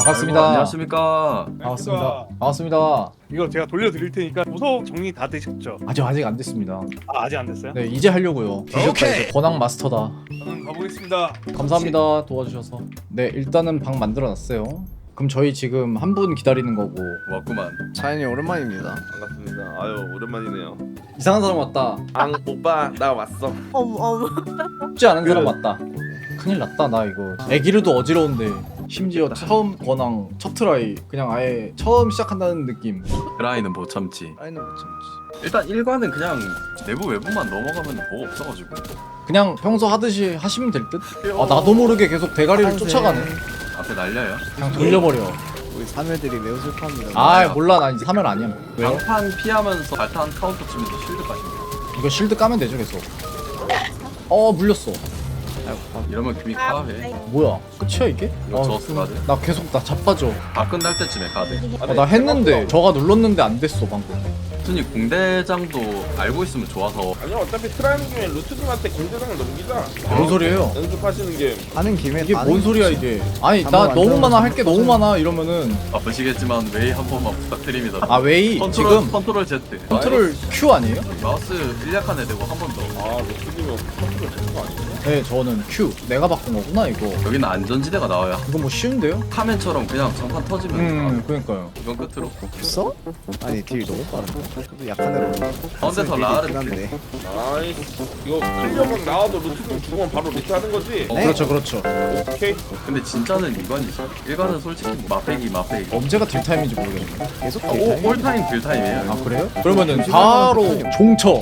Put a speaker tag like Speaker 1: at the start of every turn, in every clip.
Speaker 1: 반갑습니다.
Speaker 2: 안녕하십니까.
Speaker 1: 반갑습니다. 반갑습니다.
Speaker 3: 이거 제가 돌려드릴 테니까 무서워 정리 다 되셨죠?
Speaker 1: 아직 안 됐습니다.
Speaker 3: 아직 안 됐어요?
Speaker 1: 네, 이제 하려고요. 뒤졌다 이제 권학 마스터다.
Speaker 3: 저는 가보겠습니다.
Speaker 1: 감사합니다. 도와주셔서. 네, 일단은 방 만들어놨어요. 그럼 저희 지금 한 분 기다리는 거고.
Speaker 2: 왔구만.
Speaker 4: 자연이 오랜만입니다.
Speaker 5: 반갑습니다. 아유 오랜만이네요.
Speaker 1: 이상한 사람 왔다.
Speaker 5: 오빠 나 왔어.
Speaker 6: 어머.
Speaker 1: 쉽지 않은 사람 왔다. 큰일 났다 나 이거. 애기르도 어지러운데 심지어 처음 권항 첫 트라이 그냥 아예 처음 시작한다는 느낌.
Speaker 2: 드라이는 못 참지.
Speaker 4: 아이는 못 참지.
Speaker 2: 일단 1관은 그냥 내부 외부만 넘어가면 뭐가 없어가지고.
Speaker 1: 그냥 평소 하듯이 하시면 될 듯? 아 나도 모르게 계속 대가리를 쫓아가네.
Speaker 2: 앞에 날려요.
Speaker 1: 그냥 돌려버려.
Speaker 4: 우리 사멸들이 매우 슬퍼합니다.
Speaker 1: 아 몰라 나 이제 사면 아니야. 왜요?
Speaker 2: 방판 피하면서 발탄 카운터 치면서 쉴드 까시면
Speaker 1: 이거 실드 까면 되죠 계속. 물렸어.
Speaker 2: 이러면 금이 카해.
Speaker 1: 뭐야 끝이야 이게?
Speaker 2: 이거 저스 가드.
Speaker 1: 나 계속 나 자빠져.
Speaker 2: 다 끝날 때쯤에 가드.
Speaker 1: 나 했는데 저가 눌렀는데 안 됐어 방금.
Speaker 2: 순이 공대장도 알고 있으면 좋아서
Speaker 5: 아니요 어차피 트라이는 김에 루트님한테 공대장을 넘기자.
Speaker 1: 뭔 소리예요?
Speaker 5: 연습하시는 게
Speaker 4: 하는 김에
Speaker 1: 이게
Speaker 4: 다
Speaker 1: 뭔
Speaker 4: 하는
Speaker 1: 소리야
Speaker 4: 거지.
Speaker 1: 이게? 아니
Speaker 4: 한번
Speaker 1: 나 너무
Speaker 4: 만들어서
Speaker 1: 많아 할 게 너무 많아 이러면은
Speaker 2: 아프시겠지만 웨이 한 번만 부탁드립니다.
Speaker 1: 아 웨이 지금
Speaker 2: 컨트롤 Z.
Speaker 1: 컨트롤 Q 아니에요?
Speaker 2: 마우스 1약한 애 되고 한 번 더.
Speaker 5: 아 루트님은 컨트롤 되는 거 아니에요?
Speaker 1: 네 저는 Q 내가 바꾼 거구나 이거.
Speaker 2: 여기는 안전지대가 나와요.
Speaker 1: 이거 뭐 쉬운데요?
Speaker 2: 카멘처럼 그냥 장판 터지면
Speaker 1: 그러니까요.
Speaker 2: 이건 끝으로.
Speaker 4: 없어? 아니 딜 너무 빠른데. 저도 약한 애로.
Speaker 2: 가운데서 라를
Speaker 4: 한데.
Speaker 5: 나이스. 이거 클리어각 나와도 루트님 죽으면 바로 루트 하는 거지?
Speaker 4: 네.
Speaker 1: 그렇죠 그렇죠.
Speaker 5: 오케이.
Speaker 2: 근데 진짜는 이관이죠. 일관은 솔직히 마페기.
Speaker 1: 언제가 딜타임인지 모르겠네.
Speaker 4: 계속
Speaker 2: 아,
Speaker 4: 딜
Speaker 2: 올타임 딜타임이에요.
Speaker 1: 아 그래요? 그러면은 바로 종쳐.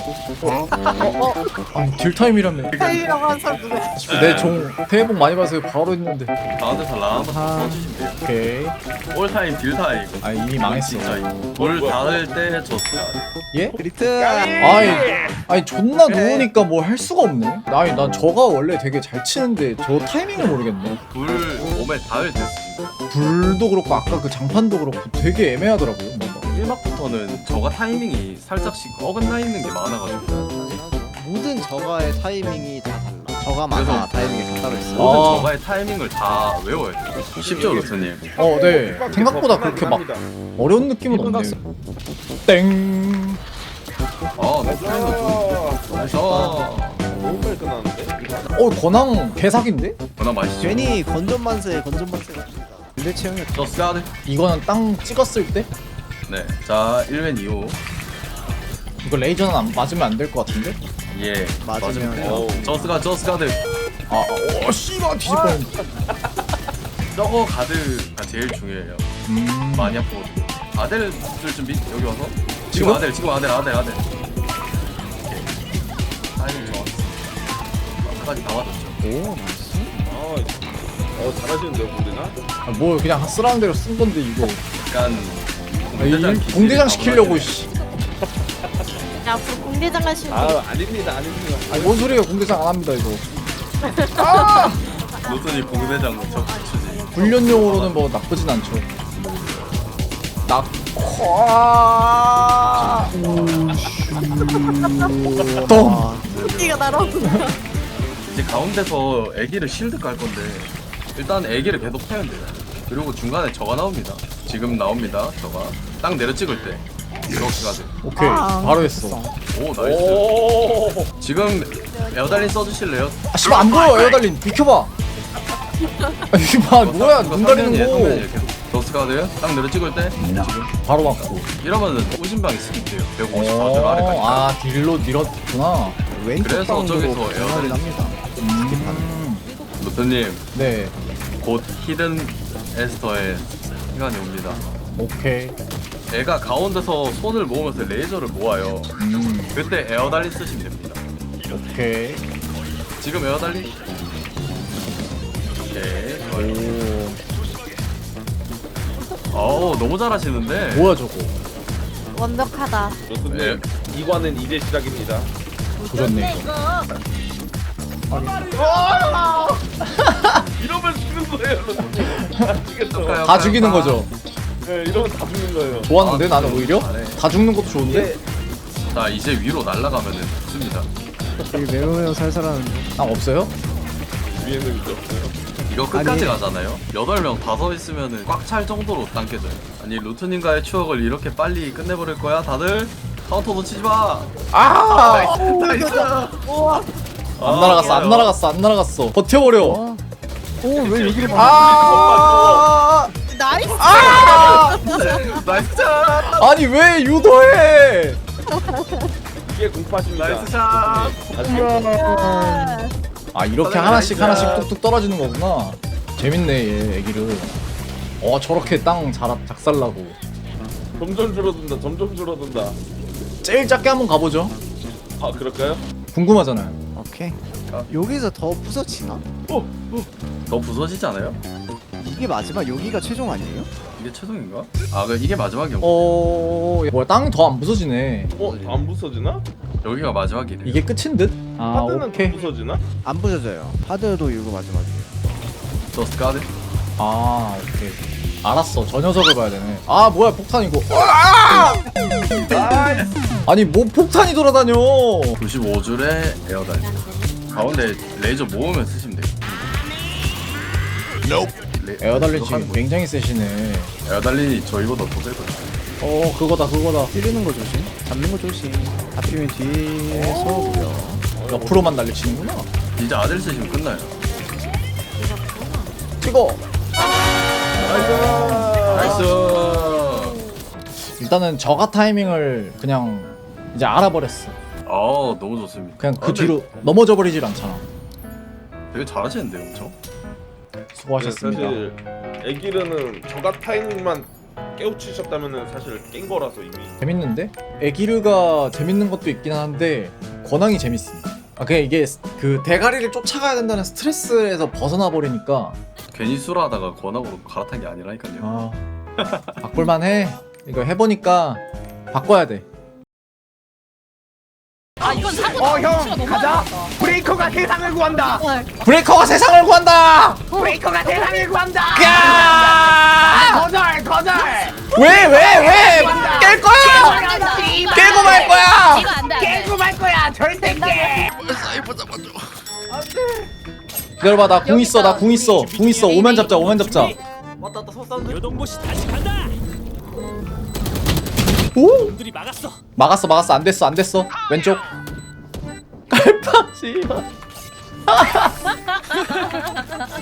Speaker 1: 아니 딜타임이라며.
Speaker 6: 살려고 한 사람 누구야?
Speaker 1: 내종 새해 복 많이 받으세요 바로 했는데.
Speaker 2: 가운데서 라 한번
Speaker 4: 아하.
Speaker 2: 써주시면 돼요.
Speaker 1: 오케이.
Speaker 2: 올타임 딜타임.
Speaker 1: 아 이미 망했어.
Speaker 2: 진짜 돌 닿을 때 졌어요.
Speaker 1: 예?
Speaker 4: 리트.
Speaker 1: 아니 존나 누우니까 뭐 할 수가 없네. 아니 난 저가 원래 되게 잘 치는데 저 타이밍을 모르겠네.
Speaker 2: 돌 몸에 닿을 때 쓰신다.
Speaker 1: 불도 그렇고 아까 그 장판도 그렇고 되게 애매하더라고요. 뭔가.
Speaker 2: 1막부터는 저가 타이밍이 살짝씩 어긋나 있는 게 많아가지고
Speaker 4: 모든 저가의 타이밍이 다 달라. 저가마다
Speaker 2: 그래서-
Speaker 4: 타이밍이 다 따로 있어.
Speaker 2: 모든
Speaker 1: 아.
Speaker 2: 저가의 타이밍을 다 외워야 돼요. 쉽죠 로스님?
Speaker 1: 네. 생각보다 그렇게 막 어려운 느낌은 없네요. 땡.
Speaker 2: 내 타이밍도 좋은데. 그래서
Speaker 5: 너무 빨리 끝나는데?
Speaker 1: 권항 개사기인데?
Speaker 2: 워낙 맛있죠.
Speaker 4: 괜히 건전만세 같습니다. 근데 체형이
Speaker 2: 저스 가드.
Speaker 1: 이거는 땅 찍었을 때?
Speaker 2: 네. 자 1회 2호.
Speaker 1: 이거 레이저는 맞으면 안 될 것 같은데?
Speaker 2: 예.
Speaker 4: 맞으면
Speaker 2: 돼요. 저스 가드.
Speaker 1: 씨발 뒤질 뻔했네.
Speaker 2: 저거 가드가 제일 중요해요. 많이 아프거든요. 아델 줄 준비 여기 와서. 지금 아델. 오케이. 타이밍 좋았어. 끝까지 다 맞았죠.
Speaker 4: 오 나이스.
Speaker 5: 잘하시는데요 공대장?
Speaker 1: 뭐 그냥 쓰라는 대로 쓴 건데 이거.
Speaker 2: 약간
Speaker 1: 공대장 시키려고 씨.
Speaker 6: 야, 앞으로 공대장 가시는
Speaker 5: 아닙니다.
Speaker 1: 아니 뭔 소리예요? 공대장 안 합니다 이거.
Speaker 2: 노선이 공대장 적추지.
Speaker 1: 훈련용으로는 뭐 나쁘진 않죠. 똥.
Speaker 4: 아,
Speaker 6: 끼가 날아오고.
Speaker 2: 이제 가운데서 애기를 실드 깔 건데 일단 애기를 계속 패면 돼요. 그리고 중간에 저가 나옵니다. 지금 나옵니다. 저가 딱 내려 찍을 때 이렇게 가세요.
Speaker 1: 오케이 바로 했어.
Speaker 2: 오 나이스. 지금 에어달린 써주실래요?
Speaker 1: 아 씨발 안 보여 에어달린 비켜봐. 아니 봐 뭐야 눈 가리는 거.
Speaker 2: 더스가드요? 딱 내려 찍을 때 지금
Speaker 1: 바로 맞고.
Speaker 2: 이러면은 오신방이 스킵돼요. 150 아래까지.
Speaker 1: 아 딜로 밀었구나.
Speaker 4: 왼쪽
Speaker 2: 그래서
Speaker 4: 방으로
Speaker 2: 저기서
Speaker 4: 변화를
Speaker 2: 에어컨이-
Speaker 4: 합니다.
Speaker 2: 노트님
Speaker 1: 네
Speaker 2: 곧 히든 에스터의 시간이 옵니다.
Speaker 1: 오케이.
Speaker 2: 애가 가운데서 손을 모으면서 레이저를 모아요. 그때 에어달린 쓰시면 됩니다.
Speaker 1: 오케이.
Speaker 2: 지금 에어달린? 오케이. 좋아요. 어우 너무 잘하시는데.
Speaker 1: 뭐야 저거.
Speaker 6: 완벽하다.
Speaker 2: 네.
Speaker 5: 이관은 이제 시작입니다.
Speaker 1: 조졌네 이거.
Speaker 5: 이러면 죽는 거예요. 아시겠죠?
Speaker 1: 다 죽이는 거죠.
Speaker 5: 네, 이러면 다 죽는 거예요.
Speaker 1: 좋았는데 나는 오히려
Speaker 2: 잘해.
Speaker 1: 다 죽는 것도 좋은데.
Speaker 2: 자 이제 위로 날아가면은 죽습니다.
Speaker 4: 딜 매우 살살하는데.
Speaker 1: 아 없어요?
Speaker 5: 위에는 이제 없어요.
Speaker 2: 이거 끝까지
Speaker 4: 아니.
Speaker 2: 가잖아요. 8명 5 있으면은 꽉 찰 정도로 당겨져요. 아니 루트님과의 추억을 이렇게 빨리 끝내버릴 거야 다들? 카운터 놓치지 마.
Speaker 1: 아!
Speaker 2: 나이스.
Speaker 1: 안 날아갔어, 안 날아갔어, 안 날아갔어. 버텨버려.
Speaker 4: 오왜 여기를
Speaker 1: 아!
Speaker 6: 나이스.
Speaker 2: 나이스 샷.
Speaker 1: 아니 왜 유도해?
Speaker 5: 이게 공파십니다.
Speaker 2: 나이스 샷.
Speaker 1: 아 이렇게
Speaker 2: 나이스.
Speaker 1: 하나씩 뚝뚝 떨어지는 거구나. 재밌네 얘 애기를. 저렇게 땅 작살나고.
Speaker 5: 점점 줄어든다. 점점 줄어든다.
Speaker 1: 제일 작게 한번 가보죠.
Speaker 5: 아 그럴까요?
Speaker 1: 궁금하잖아요.
Speaker 4: 오케이. 여기서 더 부서지나?
Speaker 2: 더 부서지지 않아요?
Speaker 4: 이게 마지막 여기가 최종 아니에요?
Speaker 2: 이게 최종인가? 아 이게 마지막이야.
Speaker 1: 뭐야 땅이 더 안 부서지네.
Speaker 5: 안 부서지나?
Speaker 2: 여기가 마지막이래.
Speaker 1: 이게 끝인 듯? 아
Speaker 5: 하드는
Speaker 1: 오케이.
Speaker 5: 부서지나?
Speaker 4: 안 부서져요. 하드도 이거 마지막이에요.
Speaker 2: 저스 가드.
Speaker 1: 아 오케이. 알았어. 저 녀석을 봐야 되네. 아 뭐야 폭탄이고. 아! 아니 뭐 폭탄이 돌아다녀.
Speaker 2: 95줄에 에어다이. 가운데 레이저 모으면 쓰시면 돼요.
Speaker 1: 에어달린 지금 굉장히 세시네.
Speaker 2: 에어달린이 저희보다 더 세거든요.
Speaker 1: 그거다.
Speaker 4: 찌르는 거 조심. 잡는 거 조심. 잡히면 뒤에서 오고요.
Speaker 1: 옆으로만 날리치는구나.
Speaker 2: 이제 아들 쓰시면 끝나요.
Speaker 1: 찍어.
Speaker 2: 나이스.
Speaker 1: 일단은 저가 타이밍을 그냥 이제 알아버렸어.
Speaker 2: 너무 좋습니다.
Speaker 1: 그냥 그
Speaker 2: 근데
Speaker 1: 뒤로 넘어져 버리질 않잖아.
Speaker 2: 되게 잘하시는데요, 엄청.
Speaker 1: 수고하셨습니다.
Speaker 5: 사실 애기르는 저가 타이밍만 깨우치셨다면은 사실 깬 거라서 이미.
Speaker 1: 재밌는데? 에기르가 재밌는 것도 있긴 한데 권항이 재밌습니다. 그냥 이게 그 대가리를 쫓아가야 된다는 스트레스에서 벗어나 버리니까
Speaker 2: 괜히 수라하다가 권하고 갈아탄 게 아니라니까요.
Speaker 1: 바꿀만 해. 이거 해보니까 바꿔야 돼.
Speaker 7: 아 이건 사고다. 형 가자.
Speaker 8: 브레이커가 세상을 구한다.
Speaker 1: 브레이커가 세상을 구한다!
Speaker 8: 브레이커가 세상을 구한다.
Speaker 1: 야!
Speaker 8: 거절.
Speaker 1: 왜? 깰 거야! 깨고 말 거야!
Speaker 7: 이거 안돼 안돼.
Speaker 8: 깨고 말 거야. 절대 깨.
Speaker 1: 기다려봐, 나 궁 있어. 궁 있어. 오면 잡자.
Speaker 8: 요동보시 다시 간다.
Speaker 1: 오!
Speaker 8: 놈들이 막았어.
Speaker 1: 막았어. 안 됐어. 왼쪽. 깔빡 씨발.